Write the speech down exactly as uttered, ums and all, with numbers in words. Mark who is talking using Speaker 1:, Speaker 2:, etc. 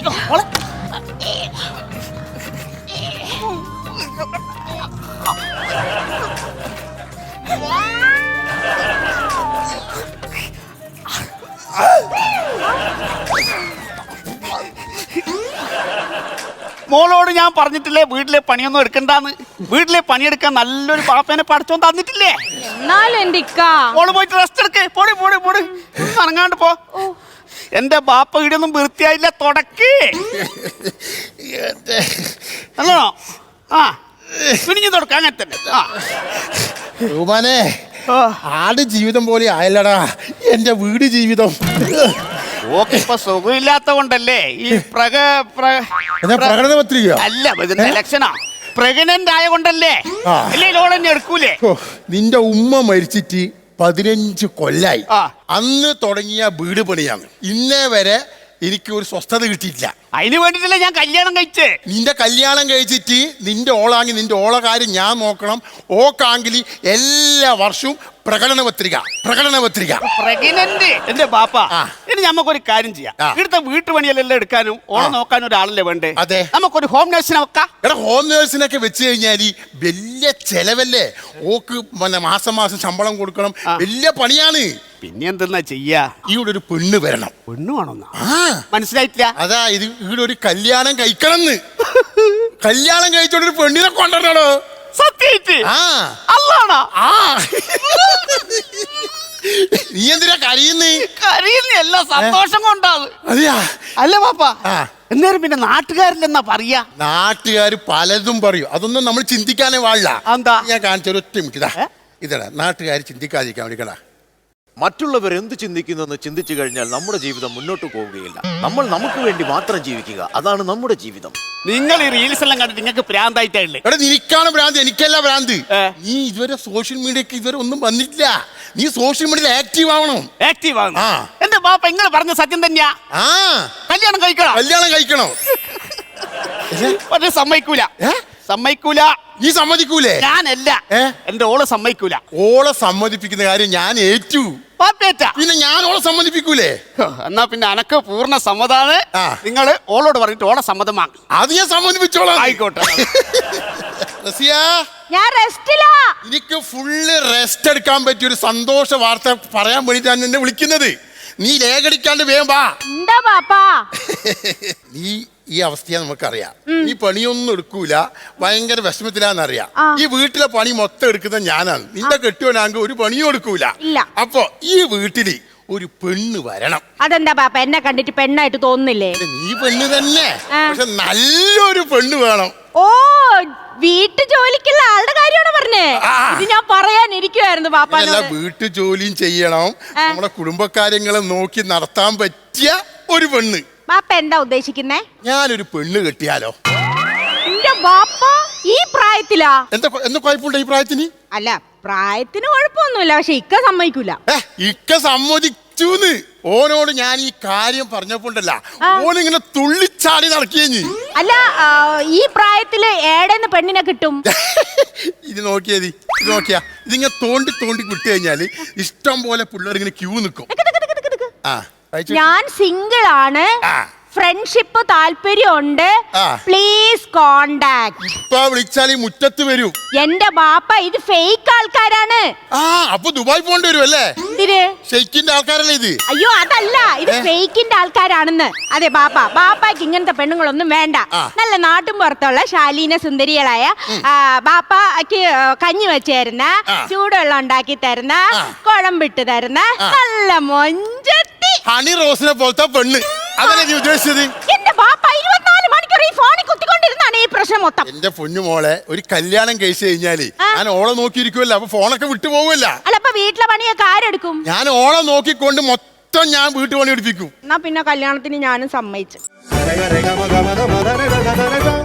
Speaker 1: മോളോട് ഞാൻ പറഞ്ഞിട്ടില്ലേ വീട്ടിലെ പണിയൊന്നും എടുക്കണ്ടെന്ന്. വീട്ടിലെ പണിയെടുക്കാൻ നല്ലൊരു പാപ്പേനെ പഠിച്ചോൻ തന്നിട്ടില്ലേ? മോള് പോയിട്ട് റെസ്റ്റ് എടുക്ക്. പോടി പോടി പോടി ഇറങ്ങാണ്ട് പോ. എന്റെ ബാപ്പ വീടൊന്നും വൃത്തിയായില്ല. തുടക്കി നല്ലോ. ആ പിടിഞ്ഞു തുടക്ക അങ്ങനെ തന്നെ. ആ
Speaker 2: റൂമാനെ ആട് ജീവിതം പോലെ ആയല്ലടാ എന്റെ വീട് ജീവിതം.
Speaker 1: ഓക്കെ ഇപ്പൊ സുഖമില്ലാത്ത കൊണ്ടല്ലേ ഈ പ്രക
Speaker 2: പ്രകടന പത്രിക
Speaker 1: അല്ല ഇതിന്റെ ഇലക്ഷനാ. പ്രഗ്നന്റ് ആയ കൊണ്ടല്ലേ? അല്ലേ ലോൺ തന്നെ എടുക്കൂലേ?
Speaker 2: നിന്റെ ഉമ്മ മരിച്ചിട്ട് പതിനഞ്ച് കൊല്ലായി. അന്ന് തുടങ്ങിയ വീട് പണിയാണ്. ഇന്നേ വരെ എനിക്ക് ഒരു സ്വസ്ഥത കിട്ടിയിട്ടില്ല.
Speaker 1: അതിന് വേണ്ടിട്ടല്ലേ ഞാൻ കല്യാണം കഴിച്ചേ.
Speaker 2: നിന്റെ കല്യാണം കഴിച്ചിട്ട് നിന്റെ ഓളാങ്കി നിന്റെ ഓള കാര്യം ഞാൻ നോക്കണം. ഓക്കാങ്കിൽ എല്ലാ വർഷവും പ്രകടന പത്രിക പ്രകടന പത്രിക
Speaker 1: പ്രഗ്നന്റ് എന്റെ ബാപ്പ. ഇനി നമുക്കൊരു കാര്യം ചെയ്യാം. ഇവിടുത്തെ വീട്ടുപണിയെല്ലാം എടുക്കാനും ഓളെ നോക്കാനും ഒരാളല്ലേ വേണ്ടേ?
Speaker 2: അതെ,
Speaker 1: നമുക്കൊരു ഹോം നേഴ്സിനെ വെക്കാം.
Speaker 2: എടാ ഹോം നേഴ്സിനൊക്കെ വെച്ച് കഴിഞ്ഞാൽ വലിയ ചെലവല്ലേ. ഓക്ക് പിന്നെ മാസം മാസം ശമ്പളം കൊടുക്കണം. വലിയ പണിയാണ്.
Speaker 1: പിന്നെ എന്തെന്നാ ചെയ്യാ?
Speaker 2: ഇവിടെ ഒരു പെണ്ണ് വരണം.
Speaker 1: പെണ്ണ് വേണമെന്നാ? മനസ്സിലായിട്ടില്ല.
Speaker 2: അതാ ഇത് ഇവിടെ ഒരു കല്യാണം കഴിക്കണമെന്ന്. കല്യാണം കഴിച്ചോണ്ടൊരു പെണ്ണിനെ കൊണ്ടുവരണോ?
Speaker 1: സത്യായിട്ട്? അല്ലാണോ?
Speaker 2: നീ എന്തിനാ കരയുന്നേ?
Speaker 1: കരയുന്നല്ല, സന്തോഷം കൊണ്ടാണ്.
Speaker 2: അതെയാ?
Speaker 1: അല്ല പാപ്പ, എന്നേരം പിന്നെ നാട്ടുകാരിലെന്നാ പറയാ?
Speaker 2: നാട്ടുകാർ പലതും പറയും. അതൊന്നും നമ്മൾ ചിന്തിക്കാനേ പാടില്ല.
Speaker 1: എന്താ?
Speaker 2: ഞാൻ കാണിച്ച ഒറ്റ മിനിറ്റ്. ഇതാ നാട്ടുകാർ ചിന്തിക്കാതിരിക്കാൻ വേണ്ടിക്കടാ.
Speaker 3: മറ്റുള്ളവർ എന്ത് ചിന്തിക്കുന്നെന്ന് ചിന്തിച്ചു കഴിഞ്ഞാൽ നമ്മുടെ ജീവിതം മുന്നോട്ട് പോവുകയില്ല. നമ്മൾ നമുക്ക് വേണ്ടി മാത്രം ജീവിക്കുക, അതാണ് നമ്മുടെ ജീവിതം.
Speaker 1: നിങ്ങൾ ഈ റീൽസ് എല്ലാം കണ്ടിട്ട് നിങ്ങൾക്ക് ഭ്രാന്തായിട്ടേ?
Speaker 2: എടാ നിനക്കാണ് ഭ്രാന്ത്, എനിക്കല്ല ഭ്രാന്ത്. നീ ഇതുവരെ സോഷ്യൽ മീഡിയക്ക് ഇതുവരെ ഒന്നും വന്നിട്ടില്ല. നീ സോഷ്യൽ മീഡിയയിൽ ആക്റ്റീവ് ആവണം.
Speaker 1: ആക്റ്റീവ് ആവണം. എന്റെ ബാപ്പ നിങ്ങൾ പറഞ്ഞ സത്യം തന്നെയാ.
Speaker 2: ആ
Speaker 1: കല്യാണം കഴിക്കണം.
Speaker 2: കല്യാണം കഴിക്കണം.
Speaker 1: പക്ഷെ സമ്മതിക്കൂല. സമ്മതിക്കൂല.
Speaker 2: നീ സമ്മതിക്കൂലേ?
Speaker 1: ഞാനല്ല, എന്റെ ഓള് സമ്മതിക്കൂല.
Speaker 2: ഓളെ സമ്മതിപ്പിക്കുന്ന കാര്യം ഞാൻ ഏറ്റു. പിന്നെ ഞാൻ ഓളെ സമ്മതിപ്പിക്കൂലേ?
Speaker 1: എന്നാ പിന്നെ അനക്ക് പൂർണ്ണ സമ്മതാണ്. നിങ്ങൾ ഓളോട് പറഞ്ഞിട്ട് ഓളെ സമ്മതം വാങ്ങും.
Speaker 2: അത് ഞാൻ സമ്മതിപ്പിച്ചോളാം.
Speaker 1: ആയിക്കോട്ടെ.
Speaker 2: എനിക്ക് ഫുള്ള് റെസ്റ്റ് എടുക്കാൻ പറ്റിയ ഒരു സന്തോഷ വാർത്ത പറയാൻ വേണ്ടിട്ടാണ് എന്നെ വിളിക്കുന്നത്. നീ ലേഖടിക്കാണ്ട് വേഗം വാ. നീ ഈ അവസ്ഥയാ നമുക്കറിയാം. നീ പണിയൊന്നും എടുക്കൂല, ഭയങ്കര വിഷമത്തിലാന്നറിയാം. ഈ വീട്ടിലെ പണി മൊത്തം എടുക്കുന്ന ഞാനാണ്. നിന്റെ കെട്ടിയോനാങ്ക് ഒരു പണിയും എടുക്കൂല. അപ്പൊ ഈ വീട്ടില് ഒരു പെണ്ണ് വരണം.
Speaker 4: അതെന്താ പാപ്പ എന്നെ കണ്ടിട്ട് പെണ്ണായിട്ട് തോന്നുന്നില്ലേ?
Speaker 2: നീ പെണ്ണ് തന്നെ, പക്ഷെ നല്ലൊരു പെണ്ണ് വേണം.
Speaker 4: ഓ, വീട്ടു ജോലിക്കുള്ള ആളുടെ കാര്യമാണ് പറഞ്ഞേ. ഇത് ഞാൻ പറയാനിരിക്കുവായിരുന്നു പാപ്പ.
Speaker 2: വീട്ടു ജോലിയും ചെയ്യണം, നമ്മുടെ കുടുംബകാര്യങ്ങളെ നോക്കി നടത്താൻ പറ്റിയ ഒരു പെണ്ണ്.
Speaker 4: ബാപ്പ എന്താ ഉദ്ദേശിക്കുന്നേ?
Speaker 2: ഞാനൊരു പെണ്ണ് കെട്ടിയാലോ?
Speaker 4: എന്റെ ബാപ്പ ഈ പ്രായത്തിലാ?
Speaker 2: എന്താ എന്താ കുഴപ്പമുണ്ടോ ഈ പ്രായത്തിന്?
Speaker 4: അല്ല, പ്രായത്തിന് കുഴപ്പമൊന്നുമില്ല, പക്ഷെ ഇക്ക സമ്മതിക്കൂല.
Speaker 2: ഇക്ക സമ്മതിച്ചൂന്ന്. ഓനോട് ഞാൻ ഈ കാര്യം പറഞ്ഞപ്പോണ്ടല്ല, ഓനിങ്ങനെ തുള്ളിച്ചാടി നടക്കിയഞ്ഞ്.
Speaker 4: അല്ല, ഈ പ്രായത്തില് ഏടെന്ന് പെണ്ണിനെ കിട്ടും?
Speaker 2: ഇത് നോക്കിയത് ഇത് നോക്കിയാ ഇതിങ്ങനെ തോണ്ടി തോണ്ടി വിട്ടു കഴിഞ്ഞാല് ഇഷ്ടം പോലെ പിള്ളേർ ഇങ്ങനെ ക്യൂ നിൽക്കും.
Speaker 4: ഞാൻ സിംഗിൾ ആണ്, ഫ്രണ്ട്ഷിപ്പ് താല്പര്യമുണ്ട്, പ്ലീസ് കോണ്ടാക്ട്.
Speaker 2: ഇപ്പൊ വിളിച്ചാൽ ഈ മുറ്റത്ത് വരൂ.
Speaker 4: എന്റെ ബാപ്പ ഇത് ഫേക്ക് ആൾക്കാരാണ്.
Speaker 2: ആ അപ്പൊ ദുബായ് പോണ്ടി വരും അല്ലേ? ഷെയ്ക്കിന്റെ ആൾക്കാരല്ലേ ഇത്?
Speaker 4: അയ്യോ അതല്ല, ഇത് ഫേക്കിന്റെ ആൾക്കാരാണെന്ന്. അതെ ബാപ്പ, ബാപ്പാക്ക് ഇങ്ങനത്തെ പെണ്ണുങ്ങളൊന്നും വേണ്ട. നല്ല നാട്ടും പുറത്തുള്ള ശാലീന സുന്ദരികളായ ബാപ്പാക്ക് കഞ്ഞി വെച്ചേരുന്ന, ചൂടുവെള്ളം ഉണ്ടാക്കി തരുന്ന, കുഴമ്പിട്ട് തരുന്ന നല്ല മൊഞ്ചത്തി
Speaker 2: ഹണി റോസിനെ പോലത്തെ പെണ്ണ്. അതല്ലേ നീ ഉദ്ദേശിച്ചത്?
Speaker 4: എന്റെ ബാപ്പ ഇരുപത്തിനാല് മണിക്കൂർ ഈ ഫോണിൽ കുത്തിക്കൊണ്ടിരുന്നാണ് ഈ പ്രശ്നം മൊത്തം.
Speaker 2: എന്റെ പൊന്നു മോളെ, ഒരു കല്യാണം കഴിച്ചു കഴിഞ്ഞാല് ഞാൻ ഓളെ നോക്കിയിരിക്കുമല്ലോ, അപ്പൊ ഫോണൊക്കെ വിട്ടു പോവല്ല.
Speaker 4: അല്ല, അപ്പൊ വീട്ടിലെ പണിയൊക്കെ ആരെടുക്കും?
Speaker 2: ഞാൻ ഓളെ നോക്കിക്കൊണ്ട് മൊത്തം ഞാൻ വീട്ടു പണി എടുപ്പിക്കും.
Speaker 4: എന്നാ പിന്നെ കല്യാണത്തിന് ഞാനും സമ്മതിച്ചു.